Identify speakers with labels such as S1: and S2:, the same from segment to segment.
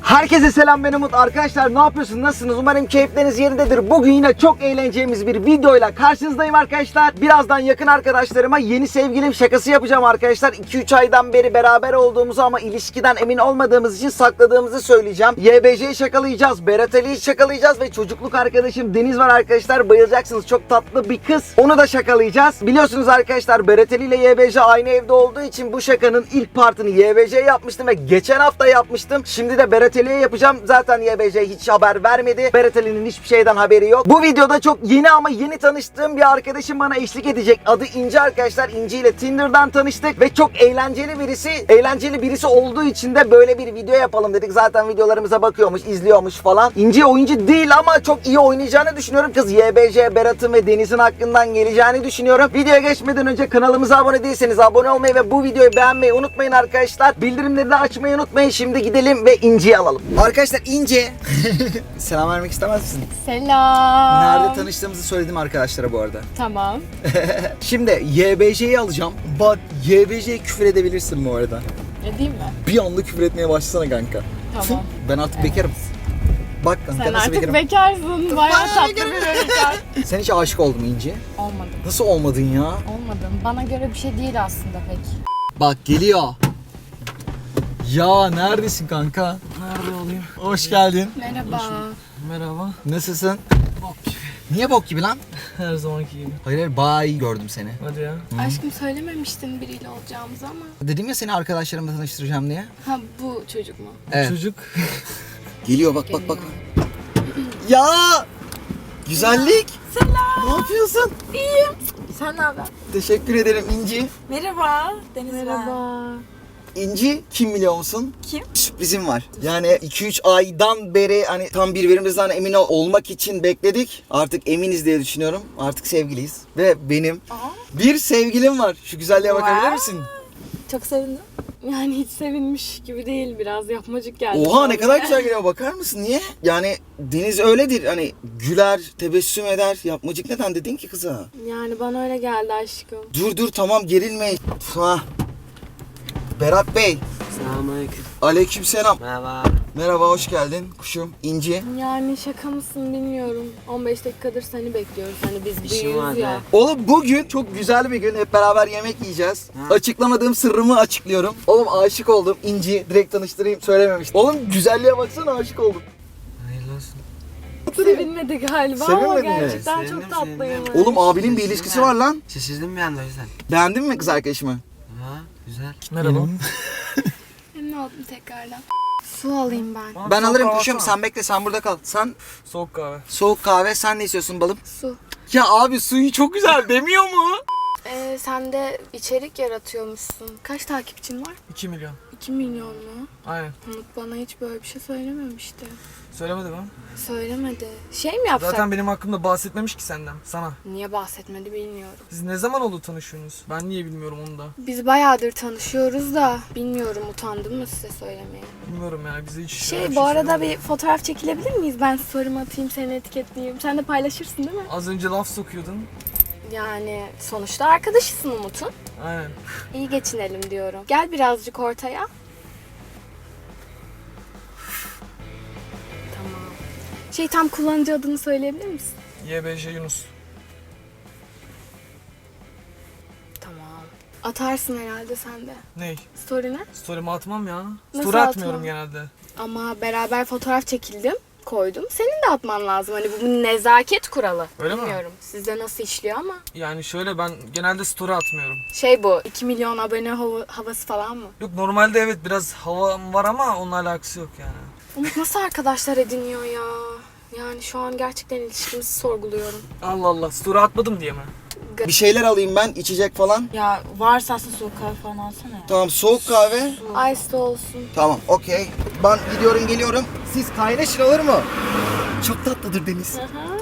S1: Herkese selam, ben Umut. Arkadaşlar ne yapıyorsunuz? Nasılsınız? Umarım keyifleriniz yerindedir. Bugün yine çok eğleneceğimiz bir videoyla karşınızdayım arkadaşlar. Birazdan yakın arkadaşlarıma yeni sevgilim şakası yapacağım arkadaşlar. 2-3 aydan beri beraber olduğumuzu ama ilişkiden emin olmadığımız için sakladığımızı söyleyeceğim. YBC'yi şakalayacağız, Berat Ali'yi şakalayacağız ve çocukluk arkadaşım Deniz var arkadaşlar. Bayılacaksınız, çok tatlı bir kız. Onu da şakalayacağız. Biliyorsunuz arkadaşlar, Berat Ali ile YBC aynı evde olduğu için bu şakanın ilk partını YBC'ye yapmıştım ve geçen hafta yapmıştım. Şimdi de Berat Ali'ye yapacağım. Zaten YBC hiç haber vermedi. Berat Ali'nin hiçbir şeyden haberi yok. Bu videoda çok yeni ama yeni tanıştığım bir arkadaşım bana eşlik edecek. Adı İnci arkadaşlar. İnci ile Tinder'dan tanıştık ve çok eğlenceli birisi. Eğlenceli birisi olduğu için de böyle bir video yapalım dedik. Zaten videolarımıza bakıyormuş, izliyormuş falan. İnci oyuncu değil ama çok iyi oynayacağını düşünüyorum. Kız YBC, Berat'ın ve Deniz'in hakkından geleceğini düşünüyorum. Videoya geçmeden önce kanalımıza abone değilseniz abone olmayı ve bu videoyu beğenmeyi unutmayın arkadaşlar. Bildirimleri de açmayı unutmayın. Şimdi gidelim ve İnci'yi alalım. Arkadaşlar İnci. Selam vermek istemez misin?
S2: Selam.
S1: Nerede tanıştığımızı söyledim arkadaşlara bu arada.
S2: Tamam.
S1: Şimdi YBC'yi alacağım. Bak, YBC'ye küfür edebilirsin bu arada.
S2: Edeyim mi?
S1: Bir anda küfür etmeye başlasana kanka.
S2: Tamam.
S1: Ben artık bekarım. Bak kanka,
S2: Sen
S1: nasıl
S2: artık
S1: bekarım.
S2: bekarsın. Bayağı tatlı bir bekar.
S1: Sen hiç aşık oldun mu İnci?
S2: Olmadım.
S1: Nasıl olmadın ya?
S2: Olmadım. Bana göre bir şey değil aslında pek.
S1: Bak geliyor. Ya neredesin kanka?
S3: Nerede olayım?
S1: Hoş geldin.
S2: Merhaba.
S3: Merhaba.
S1: Nasılsın?
S3: Bok gibi.
S1: Niye bok gibi lan?
S3: Her zamanki gibi.
S1: Hayır, bayağı iyi gördüm seni.
S3: Hadi ya.
S2: Aşkım söylememiştin biriyle olacağımızı ama.
S1: Dedim ya seni arkadaşlarımla tanıştıracağım diye.
S2: Ha bu çocuk mu?
S1: Evet.
S3: Çocuk.
S1: Geliyor bak bak bak. Ya! Güzellik.
S4: Selam.
S1: Ne yapıyorsun?
S4: İyiyim. Sen ne haber?
S1: Teşekkür ederim İnci.
S4: Merhaba. Deniz ben.
S2: Merhaba.
S1: İnci kim biliyor musun?
S4: Kim?
S1: Sürprizim var. Yani 2-3 aydan beri hani tam birbirimizden emin olmak için bekledik. Artık eminiz diye düşünüyorum. Artık sevgiliyiz. Ve benim bir sevgilim var. Şu güzelliğe bakabilir
S4: Wow.
S1: misin?
S4: Çok sevindim.
S2: Yani hiç sevinmiş gibi değil, biraz yapmacık geldi.
S1: Oha, ne kadar güzel geliyor, bakar mısın? Niye? Yani Deniz öyledir. Hani güler, tebessüm eder. Yapmacık neden dedin ki kıza?
S2: Yani bana öyle geldi aşkım.
S1: Dur tamam, gerilme. Ha. Berat Bey.
S3: Selamünaleyküm.
S1: Aleykümselam.
S3: Merhaba.
S1: Merhaba, hoş geldin kuşum. İnci.
S2: Yani şaka mısın bilmiyorum. 15 dakikadır seni bekliyoruz. Hani biz
S3: İşim
S2: büyüğüz
S3: vardı.
S2: ya.
S1: Oğlum bugün çok güzel bir gün. Hep beraber yemek yiyeceğiz. Açıklamadığım sırrımı açıklıyorum. Oğlum aşık oldum. İnci, direkt tanıştırayım, söylememiştim. Oğlum güzelliğe baksana, aşık oldum.
S3: Hayırlı olsun.
S2: Sevinmedi galiba ama
S1: Sevinmedin mi?
S2: gerçekten
S3: Sevindim,
S2: çok tatlıyım.
S1: Oğlum abinin bir ilişkisi var lan.
S3: Şaşırdım bir anda o yüzden.
S1: Beğendin mi kız arkadaşımı?
S3: Ha, güzel. Merhaba.
S2: Memnun oldum tekrardan. Su alayım ben.
S1: Ben alırım kuşum, sen bekle, sen burada kal. Sen
S3: Soğuk kahve.
S1: soğuk kahve, sen ne istiyorsun balım?
S2: Su.
S1: Ya abi, suyu çok güzel demiyor mu?
S2: Sen de içerik yaratıyormuşsun. Kaç takipçin var?
S3: 2 milyon.
S2: 2 milyon mu?
S3: Aynen.
S2: Umut bana hiç böyle bir şey söylememişti.
S3: Söylemedi mi?
S2: Söylemedi. Şey mi yapsak?
S3: Zaten benim hakkımda bahsetmemiş ki senden. Sana.
S2: Niye bahsetmedi bilmiyorum.
S3: Siz ne zaman oldu tanışıyorsunuz? Ben niye bilmiyorum onu da.
S2: Biz bayağıdır tanışıyoruz da bilmiyorum, utandım mı size söylemeye.
S3: Bilmiyorum yani bize hiç...
S2: Bu arada bir fotoğraf çekilebilir miyiz? Ben story'imi atayım, seni etiketleyeyim. Sen de paylaşırsın değil mi?
S3: Az önce laf sokuyordun.
S2: Yani sonuçta arkadaşısın Umut'un.
S3: Aynen.
S2: İyi geçinelim diyorum. Gel birazcık ortaya. Tamam. Tam kullanıcı adını söyleyebilir misin?
S3: YBJ Yunus.
S2: Tamam. Atarsın herhalde sen de.
S3: Ney?
S2: Story'ne.
S3: Story'mi atmam ya.
S2: Nasıl
S3: Story atmıyorum
S2: atmam?
S3: genelde.
S2: Ama beraber fotoğraf çekildim. Koydum. Senin de atman lazım. Hani bu bir nezaket kuralı.
S3: Öyle mi?
S2: Bilmiyorum sizde nasıl işliyor ama.
S3: Yani şöyle, ben genelde story atmıyorum.
S2: Bu 2 milyon abone havası falan mı?
S3: Yok, normalde evet biraz havam var ama onunla alakası yok yani.
S2: Umut nasıl arkadaşlar ediniyor ya? Yani şu an gerçekten ilişkimizi sorguluyorum.
S3: Allah Allah, story atmadım diye mi?
S1: Bir şeyler alayım ben, içecek falan.
S4: Ya varsa aslında soğuk kahve falan alsana ya.
S1: Tamam, soğuk kahve.
S2: Ice'de olsun.
S1: Tamam, okey. Ben gidiyorum, geliyorum. Siz kaynaşın, olur mu? Çok tatlıdır Deniz.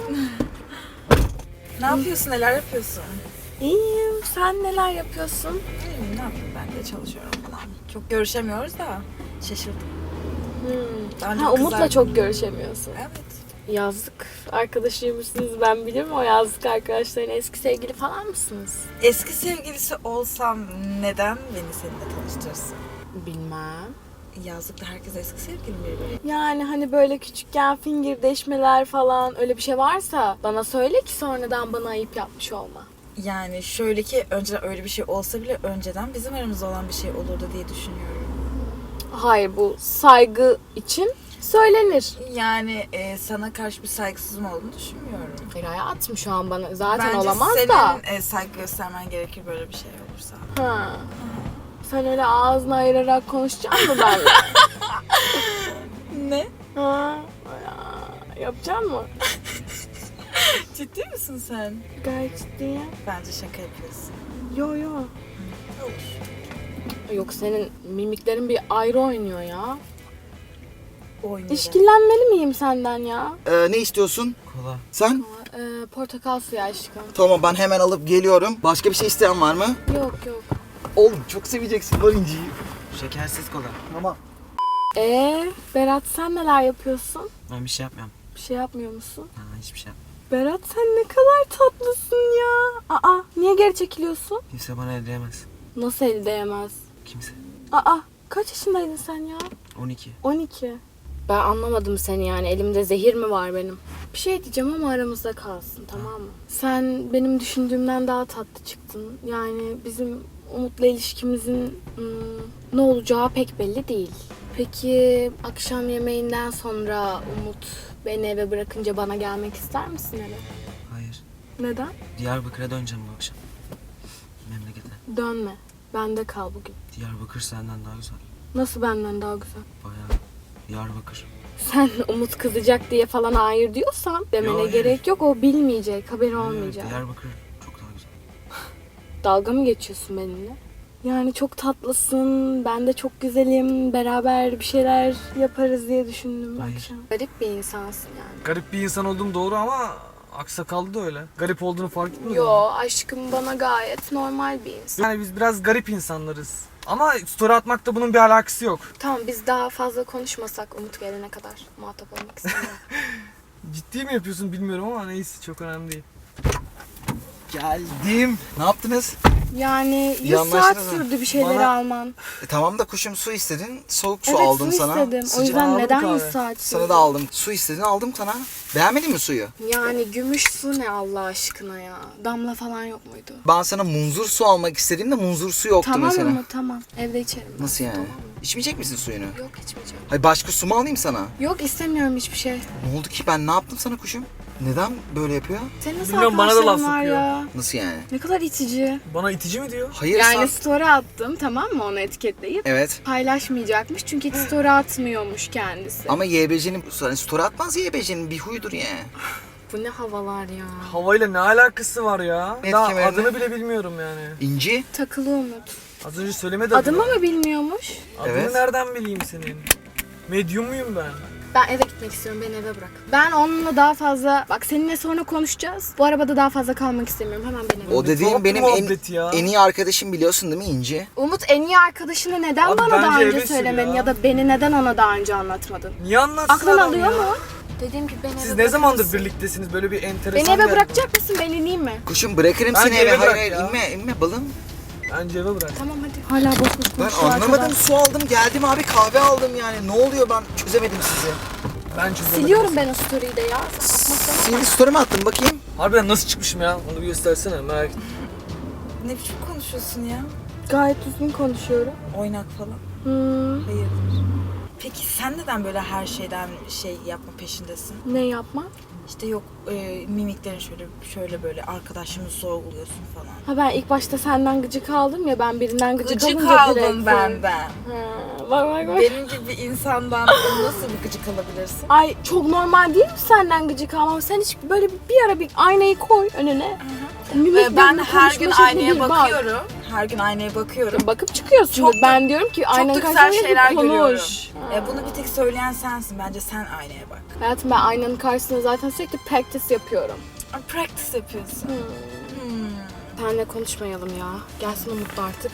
S4: Ne yapıyorsun? Neler yapıyorsun?
S2: İyiyim. Sen neler yapıyorsun?
S4: İyiyim, ne yapayım? Ben de çalışıyorum falan. Çok görüşemiyoruz da şaşırdım. Daha önce
S2: Umut'la
S4: kızlar-
S2: çok görüşemiyorsun.
S4: Evet.
S2: Yazlık arkadaşıymışsınız, ben bilirim. O yazlık arkadaşların eski sevgili falan mısınız?
S4: Eski sevgilisi olsam neden beni seninle tanıştırırsın?
S2: Bilmem.
S4: Yazlıkta herkes eski sevgili mi?
S2: Yani hani böyle küçükken fingirdeşmeler falan öyle bir şey varsa bana söyle ki sonradan bana ayıp yapmış olma.
S4: Yani şöyle ki önceden öyle bir şey olsa bile önceden bizim aramızda olan bir şey olurdu diye düşünüyorum.
S2: Hayır, bu saygı için söylenir.
S4: Yani sana karşı bir saygısızım olduğunu düşünmüyorum.
S2: Hayır hayatım, şu an bana zaten
S4: Bence
S2: olamaz
S4: senin
S2: da.
S4: saygı göstermen gerekir böyle bir şey olursa.
S2: Ha. Sen öyle ağzını ayırarak konuşacaksın mı benimle?
S4: Ne?
S2: Ha? Yapacak mı?
S4: Ciddi misin sen?
S2: Gayet ciddiyim.
S4: Bence şaka yapıyorsun.
S2: Yo yo.
S4: Olur.
S2: Yok, senin mimiklerin bir ayrı oynuyor ya.
S4: Oynayalım.
S2: İşkillenmeli miyim senden ya?
S1: Ne istiyorsun?
S3: Kola.
S1: Sen?
S2: Portakal suyu aşkım.
S1: Tamam, ben hemen alıp geliyorum. Başka bir şey isteyen var mı?
S2: Yok yok.
S1: Oğlum çok seveceksin lan inciyi.
S3: Şekersiz kola.
S1: Tamam.
S2: Berat, sen neler yapıyorsun?
S3: Ben bir şey yapmıyorum.
S2: Bir şey yapmıyor musun?
S3: Ha, hiçbir şey yapmıyorum.
S2: Berat, sen ne kadar tatlısın ya. Aa, niye geri çekiliyorsun?
S3: Kimse bana el değmez.
S2: Nasıl el değmez?
S3: Kimse.
S2: Aa, kaç yaşındaydın sen ya?
S3: 12.
S2: 12. Ben anlamadım seni yani. Elimde zehir mi var benim? Bir şey diyeceğim ama aramızda kalsın, tamam mı? Sen benim düşündüğümden daha tatlı çıktın. Yani bizim Umut'la ilişkimizin ne olacağı pek belli değil. Peki akşam yemeğinden sonra Umut beni eve bırakınca bana gelmek ister misin eve?
S3: Hayır.
S2: Neden?
S3: Diyarbakır'a döneceğim bu akşam. Memlekete.
S2: Dönme. Bende kal bugün.
S3: Diyarbakır senden daha güzel.
S2: Nasıl benden daha güzel?
S3: Bayağı. Diyarbakır.
S2: Sen Umut kızacak diye falan hayır diyorsan demene
S3: Hayır.
S2: gerek yok. O bilmeyecek, haberi olmayacak.
S3: Diyarbakır çok daha güzel.
S2: Dalga mı geçiyorsun benimle? Yani çok tatlısın, ben de çok güzelim, beraber bir şeyler yaparız diye düşündüm
S3: Hayır.
S2: akşam. Garip bir insansın yani.
S3: Garip bir insan olduğum doğru ama aksakallı da öyle. Garip olduğunu fark etmedin mi?
S2: Yo, aşkım bana gayet normal bir insan.
S3: Yani biz biraz garip insanlarız. Ama story atmakta bunun bir alakası yok.
S2: Tamam, biz daha fazla konuşmasak Umut gelene kadar muhatap olmak istemiyorum.
S3: Ciddi mi yapıyorsun bilmiyorum ama neyse, çok önemli değil.
S1: Geldim. Ne yaptınız?
S2: Yani
S1: İyi
S2: 100 saat
S1: anlaştınız mı?
S2: sürdü bir şeyleri
S3: Bana-
S2: alman.
S1: Tamam da kuşum, su istedin. Soğuk su
S2: Evet,
S1: aldım
S2: su
S1: sana.
S2: istedim. O
S1: Sıcak
S2: yüzden
S3: aldım
S2: neden
S3: kahve.
S2: 100 saat sürdü?
S1: sana da aldım. Su istedin, aldım sana. Beğenmedin mi suyu?
S2: Yani gümüş su ne Allah aşkına ya? Damla falan yok muydu?
S1: Ben sana munzur su almak istediğimde munzur su yoktu
S2: Tamam
S1: mesela.
S2: mı? Tamam. Evde içerim. ben.
S1: Nasıl yani?
S2: Tamam mı?
S1: İçmeyecek misin suyunu?
S2: Yok, içmeyeceğim.
S1: Hayır, başka su mu alayım sana?
S2: Yok, istemiyorum hiçbir şey.
S1: Ne oldu ki, ben ne yaptım sana kuşum? Neden böyle yapıyor?
S2: Senin nasıl
S3: Bilmiyorum, bana da laf
S2: arkadaşların var
S3: sokuyor.
S2: ya?
S1: Nasıl yani?
S2: Ne kadar itici.
S3: Bana itici mi diyor?
S1: Hayır
S2: Yani
S1: sen...
S2: story attım, tamam mı, onu etiketleyip?
S1: Evet.
S2: Paylaşmayacakmış çünkü hiç story atmıyormuş kendisi.
S1: Ama YBC'nin, hani story atmaz YBC'nin, bir huydur yani.
S2: Bu ne havalar ya.
S3: Havayla ne alakası var ya?
S1: Net
S3: Daha
S1: kemerine.
S3: adını bile bilmiyorum yani.
S1: İnci.
S2: Takılı Umut.
S3: Az önce söylemedi
S2: Adımı mı bilmiyormuş?
S3: Adını
S1: Evet.
S3: nereden bileyim senin? Medyum muyum ben?
S2: Ben eve gitmek istiyorum, beni eve bırak. Ben onunla daha fazla, bak seninle sonra konuşacağız. Bu arabada daha fazla kalmak istemiyorum, hemen beni eve
S1: O dediğim
S3: Tuhaf
S1: benim
S3: muhabbet ya.
S1: en iyi arkadaşım, biliyorsun değil mi İnci?
S2: Umut, en iyi arkadaşını neden
S3: Abi
S2: bana daha
S3: bence
S2: önce
S3: eve sür
S2: söylemedin
S3: ya.
S2: ya da beni neden ona daha önce anlatmadın?
S3: Niye anlatsın
S2: Aklın
S3: adam
S2: alıyor
S3: ya?
S2: mu? Dediğim gibi beni
S3: Siz
S2: eve
S3: ne
S2: bırakır
S3: zamandır
S2: mısın?
S3: birliktesiniz? Böyle bir
S2: Beni
S3: enteresan
S2: eve
S3: geldi.
S2: bırakacak mısın? Ben ineyim mi?
S1: Kuşum, bırakırım
S3: Bence
S1: seni eve.
S3: eve bırak
S1: Hayır,
S3: ya.
S1: inme balım.
S3: Bence eve bırak.
S2: Tamam hadi. Hala boş boş
S1: Ben
S2: konuşuyor
S1: anlamadım,
S2: arkadaş.
S1: su aldım geldim abi, kahve aldım yani. Ne oluyor, ben çözemedim sizi.
S3: Ben çözemedim.
S2: Siliyorum ben o story'i de ya.
S1: Senin story mi attın bakayım?
S3: Harbiden nasıl çıkmışım ya? Onu bir göstersene, merak ettim.
S4: Ne biçim konuşuyorsun ya?
S2: Gayet düzgün konuşuyorum.
S4: Oynak falan. Hayırdır? Peki sen neden böyle her şeyden şey yapma peşindesin?
S2: Ne yapma?
S4: İşte yok mimiklerin şöyle böyle arkadaşımı sorguluyorsun falan.
S2: Ha, ben ilk başta senden gıcık aldım ya, ben birinden gıcık
S4: Gıcık
S2: alınca direkt
S4: aldım benden.
S2: Ha, bak.
S4: Benim gibi bir insandan nasıl bir gıcık alabilirsin?
S2: Ay, çok normal değil mi senden gıcık almam? Sen hiç böyle bir ara bir aynayı koy önüne. Mimiklerini,
S4: Ben her gün
S2: konuşma şeklini
S4: aynaya
S2: bir bak.
S4: bakıyorum. Her gün aynaya bakıyorum.
S2: Bakıp çıkıyorsun.
S4: Çok da-
S2: Ben diyorum ki
S4: Çok
S2: aynanın
S4: da güzel
S2: karşısında
S4: şeyler
S2: bir konuş.
S4: görüyorum.
S2: Ha.
S4: Bunu bir tek söyleyen sensin. Bence sen aynaya bak.
S2: Hayatım, ben aynanın karşısında zaten sürekli practice yapıyorum.
S4: Practice yapıyorsun.
S2: Seninle konuşmayalım ya. Gelsin Umutlu artık.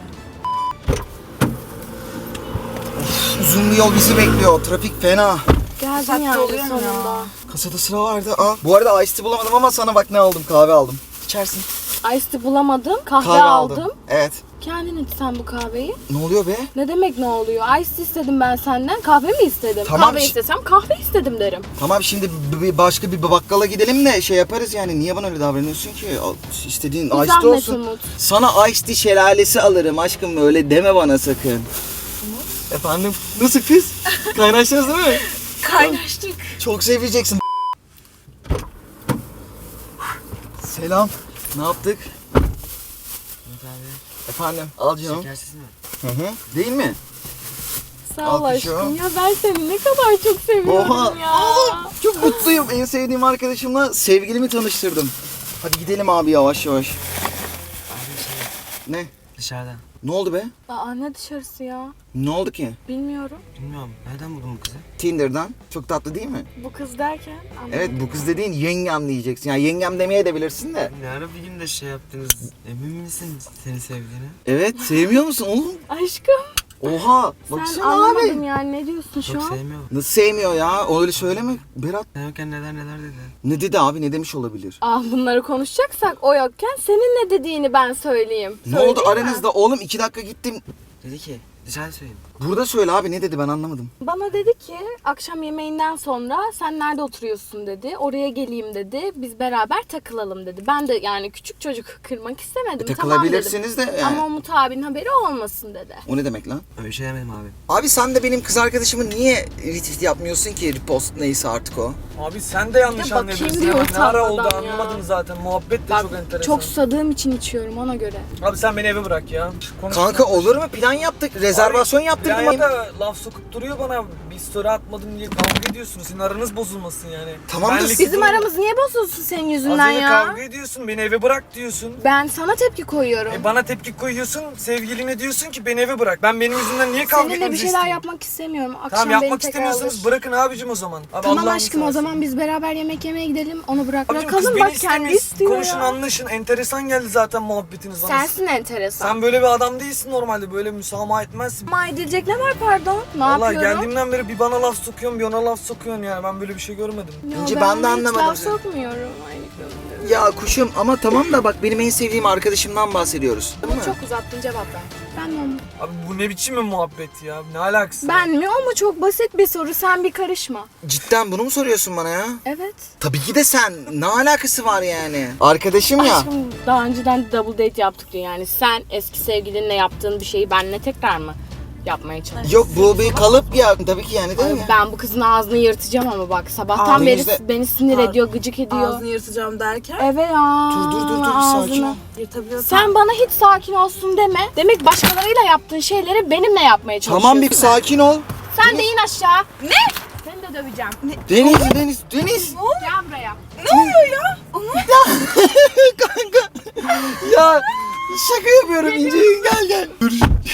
S1: Uzun bir yol bizi bekliyor, trafik fena.
S2: Geldin
S4: saatte
S2: yani
S4: oluyor mu
S2: sonunda.
S4: ya?
S1: Kasada sıra vardı. Aa, bu arada iced tea bulamadım ama sana bak ne aldım, kahve aldım. içersin.
S2: Ice tea bulamadım. Kahve,
S1: Kahve
S2: aldım.
S1: Evet.
S2: Kendin iç sen bu kahveyi.
S1: Ne oluyor be?
S2: Ne demek ne oluyor? Ice tea istedim ben senden. Kahve mi istedim?
S1: Tamam,
S2: Kahve istesem kahve istedim derim.
S1: Tamam şimdi başka bir bakkala gidelim de şey yaparız yani. Niye bana öyle davranıyorsun ki? İstediğin
S2: Bir
S1: ice tea
S2: zahmet
S1: olsun.
S2: Umut.
S1: Sana ice tea şelalesi alırım aşkım, öyle deme bana sakın. Efendim? Nasıl kız? Kaynaştınız değil mi?
S4: Kaynaştık.
S1: Çok seveceksin. Selam. Ne yaptık? Efendim? Al canım.
S3: Şekersiz mi?
S1: Hı hı. Değil mi?
S2: Sağ ol
S1: Alkışlıyorum.
S2: aşkım. Ya ben seni ne kadar çok seviyorum
S1: Oha.
S2: ya.
S1: Oğlum çok mutluyum. En sevdiğim arkadaşımla sevgilimi tanıştırdım. Hadi gidelim abi yavaş yavaş.
S3: Abi
S1: Ne?
S3: dışarıdan.
S1: Ne oldu be?
S2: Aa ne dışarısı ya?
S1: Ne oldu ki?
S2: Bilmiyorum.
S3: Bilmiyorum. Nereden buldun bu kızı?
S1: Tinder'dan. Çok tatlı değil mi?
S2: Bu kız derken anlamadım.
S1: Evet, bu kız dediğin yengem diyeceksin. Yani yengem demeye de bilirsin de.
S3: Ne ara bir gün de şey yaptınız. Emin misin seni sevdiğine?
S1: Evet, sevmiyor musun oğlum?
S2: Aşkım
S1: Oha,
S2: sen
S1: baksana
S2: anlamadın
S1: abi.
S2: yani ne diyorsun şu
S3: Çok
S2: an?
S3: sevmiyorum.
S1: Nasıl sevmiyor ya? Öyle söyleme Berat.
S3: Sen yokken neler dedi.
S1: Ne dedi abi? Ne demiş olabilir?
S2: Ah bunları konuşacaksak o yokken senin ne dediğini ben söyleyeyim.
S1: Ne oldu
S2: Söyleyeyim mi?
S1: aranızda? Oğlum 2 dakika gittim.
S3: Dedi ki dışarı söyleyeyim.
S1: Burada söyle abi, ne dedi ben anlamadım.
S2: Bana dedi ki akşam yemeğinden sonra sen nerede oturuyorsun dedi. Oraya geleyim dedi. Biz beraber takılalım dedi. Ben de yani küçük çocuk kırmak istemedim.
S1: Takılabilirsiniz
S2: tamam
S1: de
S2: dedim.
S1: yani.
S2: Ama Umut abinin haberi olmasın dedi.
S1: O ne demek lan?
S3: Öyle şey demedim abi.
S1: Abi sen de benim kız arkadaşımı niye retweet yapmıyorsun ki? Repost neyse artık o.
S3: Abi sen de yanlış
S2: Ya bakayım
S3: anladın.
S2: diyor
S3: Ne ara oldu
S2: utanmadan ya.
S3: anlamadım zaten. Muhabbet de
S2: Bak
S3: çok enteresan.
S2: çok susadığım için içiyorum ona göre.
S3: Abi sen beni eve bırak ya.
S1: Kanka olur mu? Plan yaptık. Rezervasyon yaptırdım.
S3: Ya da laf sokup duruyor bana. Bir story atmadım diye kavga ediyorsunuz. Senin aranız bozulmasın yani.
S1: Tamam da
S3: Benlik
S2: Bizim
S3: durum-
S2: aramız niye bozulsun senin
S3: Az
S2: yüzünden
S3: önce
S2: ya?
S3: kavga ediyorsun. Beni eve bırak diyorsun.
S2: Ben sana tepki koyuyorum.
S3: Bana tepki koyuyorsun. Sevgiline diyorsun ki beni eve bırak. Ben benim yüzümden niye kavga
S2: Seninle bir
S3: etmemizi
S2: şeyler
S3: isteyeyim?
S2: yapmak istemiyorum. Akşam
S3: Tamam
S2: beni
S3: yapmak
S2: tekrar
S3: istemiyorsanız
S2: alır.
S3: bırakın abicim o zaman. Abi,
S2: Tamam
S3: Allah'ını
S2: aşkım o
S3: seversen.
S2: zaman biz beraber yemek yemeye gidelim. Onu
S3: Abicim kız
S2: bırakalım
S3: beni
S2: bak kendi
S3: istemiyor.
S2: istiyor
S3: Konuşun
S2: ya.
S3: anlaşın. Enteresan geldi zaten muhabbetiniz bana.
S2: Sensin enteresan.
S3: Sen böyle bir adam değilsin normalde. Böyle müsamaha etmezsin.
S2: Ama edilecek ne var pardon? Ne
S3: Vallahi
S2: yapıyorum?
S3: geldiğimden beri bir bana laf sokuyorsun bir ona laf sokuyorsun yani. Ben böyle bir şey görmedim.
S2: Ya
S1: İnci, ben de
S2: hiç
S1: anlamadım
S2: laf
S1: seni.
S2: sokmuyorum. Aynı konuda.
S1: Ya kuşum ama tamam da bak benim en sevdiğim arkadaşımdan bahsediyoruz. Değil mi?
S2: Çok uzattın cevap ver. Ben mi o mu?
S3: Abi bu ne biçim bir muhabbet ya? Ne alakası?
S2: Ben mi o mu? Çok basit bir soru. Sen bir karışma.
S1: Cidden bunu mu soruyorsun bana ya?
S2: Evet.
S1: Tabii ki de sen. Ne alakası var yani? Arkadaşım ya.
S2: Aşkım daha önceden double date yaptık diyor yani. Sen eski sevgilinle yaptığın bir şeyi benimle tekrar mı yapmaya çalışıyorsun?
S1: Yok bu bir kalıp ya. Tabii ki yani değil
S2: Ay,
S1: mi?
S2: ben bu kızın ağzını yırtacağım ama bak sabahtan
S1: Ağzını
S2: beri
S1: yüzde-
S2: beni sinir ediyor, gıcık ediyor.
S4: Ağzını yırtacağım derken.
S2: Evet ya.
S1: Dur bir sakin ol.
S4: Yırtabiliyorsan.
S2: Sen bana hiç sakin olsun deme. Demek başkalarıyla yaptığın şeyleri benimle yapmaya çalışıyorsun.
S1: Tamam bir sakin ol.
S2: Sen de in aşağı. Ne? Seni de döveceğim.
S1: Deniz.
S2: Gel buraya.
S1: Kanka. Ya şaka yapıyorum İnci. Gel. Dur.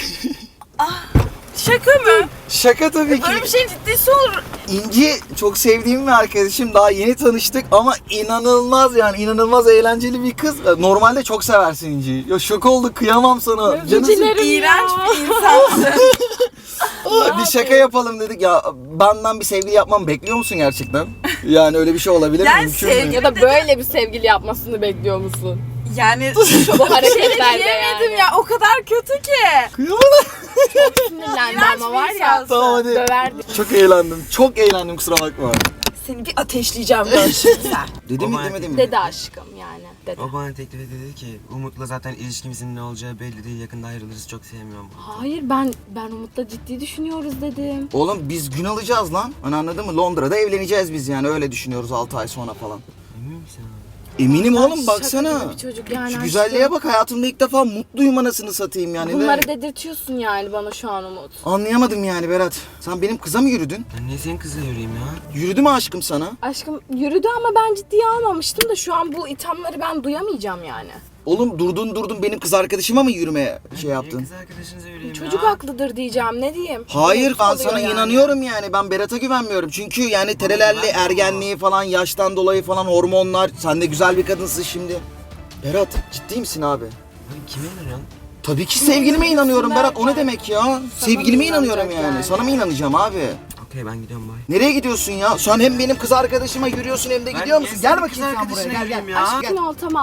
S4: Şaka mı?
S1: Şaka tabii ki.
S4: Böyle bir şeyin ciddisi olur.
S1: İnci çok sevdiğim bir arkadaşım. Daha yeni tanıştık ama inanılmaz eğlenceli bir kız. Normalde çok seversin İnci'yi. Ya şok olduk, kıyamam sana. Canısın.
S4: İğrenç bir insansın.
S1: Bir şaka yapalım dedik ya. Benden bir sevgili yapmamı bekliyor musun gerçekten? Yani öyle bir şey olabilir mi?
S4: Yani
S1: Mümkün mü?
S4: sevgili-
S2: Ya da böyle bir sevgili yapmasını bekliyor musun?
S4: Yani
S2: Bu hareketlerde
S4: diyemedim
S2: yani.
S4: ya, o kadar kötü ki.
S1: Kıyamam.
S2: Sinirlendi
S4: İğrenç
S2: ama
S4: bir
S2: var ya.
S4: insansın.
S1: Tamam hadi.
S2: Döverdi.
S1: Çok eğlendim kusura bakma.
S4: Seni bir ateşleyeceğim böyle şimdi sen.
S1: Dedi mi
S3: Baba,
S1: demedi mi?
S2: Dedi aşkım yani. Dedi.
S3: O bana teklif etti dedi ki Umut'la zaten ilişkimizin ne olacağı belli değil. Yakında ayrılırız çok sevmiyorum.
S2: Hayır ben Umut'la ciddi düşünüyoruz dedim.
S1: Oğlum biz gün alacağız lan. Hani anladın mı? Londra'da evleneceğiz biz yani öyle düşünüyoruz 6 ay sonra falan.
S3: Emin misin abi?
S1: Eminim
S2: Ay,
S1: oğlum
S2: şaka
S1: baksana.
S2: gibi bir çocuk yani
S1: Şu
S2: aşkım.
S1: güzelliğe bak, hayatımda ilk defa mutluyum anasını satayım yani.
S2: Bunları dedirtiyorsun yani bana şu an Umut.
S1: Anlayamadım yani Berat. Sen benim kıza mı yürüdün?
S3: Ben niye senin kızla yürüyeyim ya?
S1: Yürüdü mü aşkım sana?
S2: Aşkım yürüdü ama ben ciddiye almamıştım da şu an bu ithamları ben duyamayacağım yani.
S1: Oğlum durdun benim kız arkadaşıma mı yürümeye şey
S3: Niye
S1: yaptın?
S3: kız arkadaşınıza yürüyeyim
S2: Çocuk
S3: ya?
S2: haklıdır diyeceğim ne diyeyim.
S1: Hayır
S2: Umut
S1: ben
S2: oluyor
S1: sana
S2: yani.
S1: inanıyorum yani. Ben Berat'a güvenmiyorum. Çünkü yani terelelli
S3: güvenmiyor
S1: ergenliği falan, yaştan dolayı falan hormonlar. Sen de güzel bir kadınsın şimdi. Berat ciddi misin abi?
S3: Abi kime inanıyorsun?
S1: Tabii ki sevgilime inanıyorum Berat. O ne demek ya? Sevgilime
S2: mı
S1: inanıyorum
S2: inanacak
S1: yani.
S2: yani?
S1: Sana mı inanacağım abi?
S3: Okey ben gidiyorum bay.
S1: Nereye gidiyorsun ya? Sen hem benim kız arkadaşıma yürüyorsun hem de
S3: Ben
S1: gidiyor
S3: niye
S1: musun?
S3: senin
S1: Gel
S3: kız
S1: bakayım sen buraya.
S3: arkadaşına
S1: Gel
S3: yürüyeyim
S1: gel.
S3: ya?
S1: Aşkım, gel.
S2: Sakin ol tamam.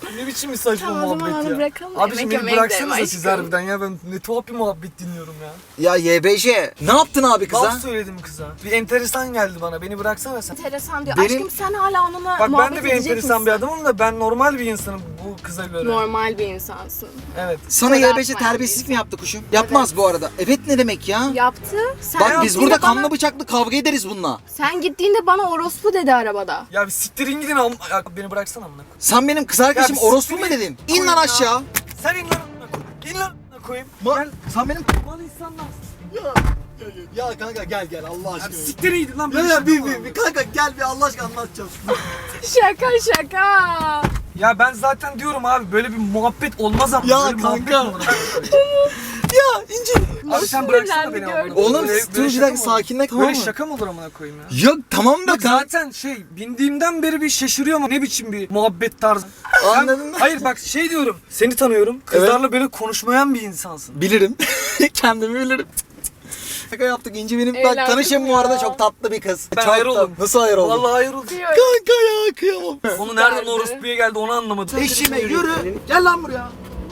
S3: Ne biçim bir saçma
S2: Tamam, o zaman
S3: muhabbet
S2: onu
S3: ya.
S2: bırakalım da
S3: Abiciğim
S2: yemek
S3: beni
S2: yemeye
S3: bıraksanıza
S2: gidelim
S3: siz
S2: aşkım.
S3: harbiden ya. Ben ne tuhaf bir muhabbet dinliyorum ya.
S1: Ya YBC ne yaptın abi kıza?
S3: Laf söyledim kıza. Bir enteresan geldi bana. Beni bıraksana sen.
S2: Enteresan diyor.
S1: Benim-
S2: Aşkım sen hala onunla
S3: Bak
S2: muhabbet
S3: ben de bir
S2: edecek
S3: enteresan
S2: misin?
S3: bir adamım da ben normal bir insanım bu kıza göre.
S2: Normal bir insansın.
S3: Evet.
S1: Sana
S2: Kusura
S1: YBC
S2: bakma
S1: terbiyesizlik
S2: yani.
S1: mi yaptı kuşum? Yapmaz bu arada. Evet ne demek ya?
S2: Yaptı. Sen
S1: Bak biz
S2: gittiğinde
S1: burada
S2: bana-
S1: kanlı bıçaklı kavga ederiz bununla.
S2: Sen gittiğinde bana orospu dedi arabada.
S3: Ya bir siktirin gidin ya beni bıraksana amına koyayım.
S1: Sen benim kız arkadaşım
S3: Ya bir
S1: orospu mu
S3: siktir
S1: dedin?
S3: git.
S1: İn lan
S3: Koy ya.
S1: aşağı.
S3: Sen in lan amına koyayım. İn lan amına koyayım.
S1: Gel. Sen benim...
S3: Mal insanlarsın.
S1: Ya kanka gel Allah
S3: Ya bir siktirin gidin lan. beni şaka mı?
S1: kanka gel bir Allah aşkına anlatacağım.
S2: Şaka.
S3: Ya ben zaten diyorum abi böyle bir muhabbet olmaz ama.
S1: Ya
S3: böyle bir muhabbet
S1: kanka.
S3: mi olur?
S1: Ya İnci.
S3: Abi sen bıraksana
S2: sinirlendi,
S3: beni amına
S2: gördün
S3: koyayım.
S1: Oğlum
S3: Böyle-
S1: dur
S3: böyle
S1: bir
S3: şaka
S1: dakika
S3: mı olur?
S1: sakinle tamam
S3: Böyle
S1: mı?
S3: şaka mı olur amına koyayım ya?
S1: Yok tamam da
S3: Yok
S1: kanka.
S3: zaten bindiğimden beri bir şaşırıyorum ne biçim bir muhabbet tarzı.
S1: Anladın mı?
S3: Hayır bak şey diyorum seni tanıyorum kızlarla böyle konuşmayan bir insansın.
S1: Bilirim. Kendimi bilirim. Şaka yaptık İnci benim. Bak
S2: Eğlendim
S1: tanışın bu
S2: ya.
S1: arada çok tatlı bir kız.
S3: Ben
S1: Çok
S3: hayır
S1: tatlı.
S3: oldum.
S1: Nasıl hayır oldun?
S3: Vallahi hayır oldu.
S1: Kanka ya kıyamam.
S3: Onu nereden
S2: Süperdi.
S3: orospuya geldi onu anlamadım.
S1: Eşime yürü. Gel lan buraya.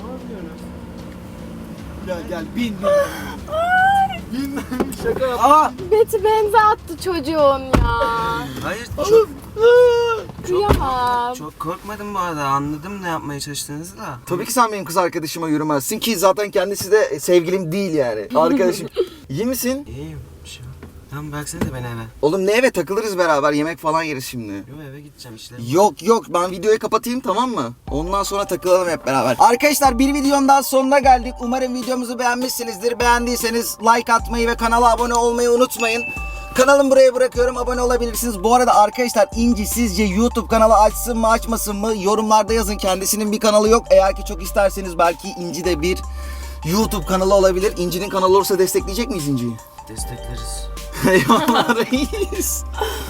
S1: Gel bin. Bin şaka yap.
S3: Aa!
S2: Beti benze attı çocuğun ya.
S5: Hayır
S1: Oğlum.
S2: Kıyamam.
S5: çok korkmadım bu arada, anladım ne yapmaya çalıştığınızı da.
S1: Tabii ki sen benim kız arkadaşıma yürümezsin ki zaten kendisi de sevgilim değil yani. Arkadaşım. İyi misin?
S5: İyiyim, bir şey yok. Tamam bıraksana da beni eve.
S1: Oğlum ne eve takılırız beraber yemek falan yeriz şimdi.
S5: Yok eve gideceğim işlerim.
S1: Yok ben videoyu kapatayım tamam mı? Ondan sonra takılalım hep beraber. Arkadaşlar bir videonun daha sonuna geldik. Umarım videomuzu beğenmişsinizdir. Beğendiyseniz like atmayı ve kanala abone olmayı unutmayın. Kanalımı buraya bırakıyorum. Abone olabilirsiniz. Bu arada arkadaşlar İnci sizce YouTube kanalı açsın mı açmasın mı? Yorumlarda yazın. Kendisinin bir kanalı yok. Eğer ki çok isterseniz belki İnci de bir YouTube kanalı olabilir. İnci'nin kanalı olursa destekleyecek miyiz İnci'yi?
S5: Destekleriz.
S1: Eyvallah reis.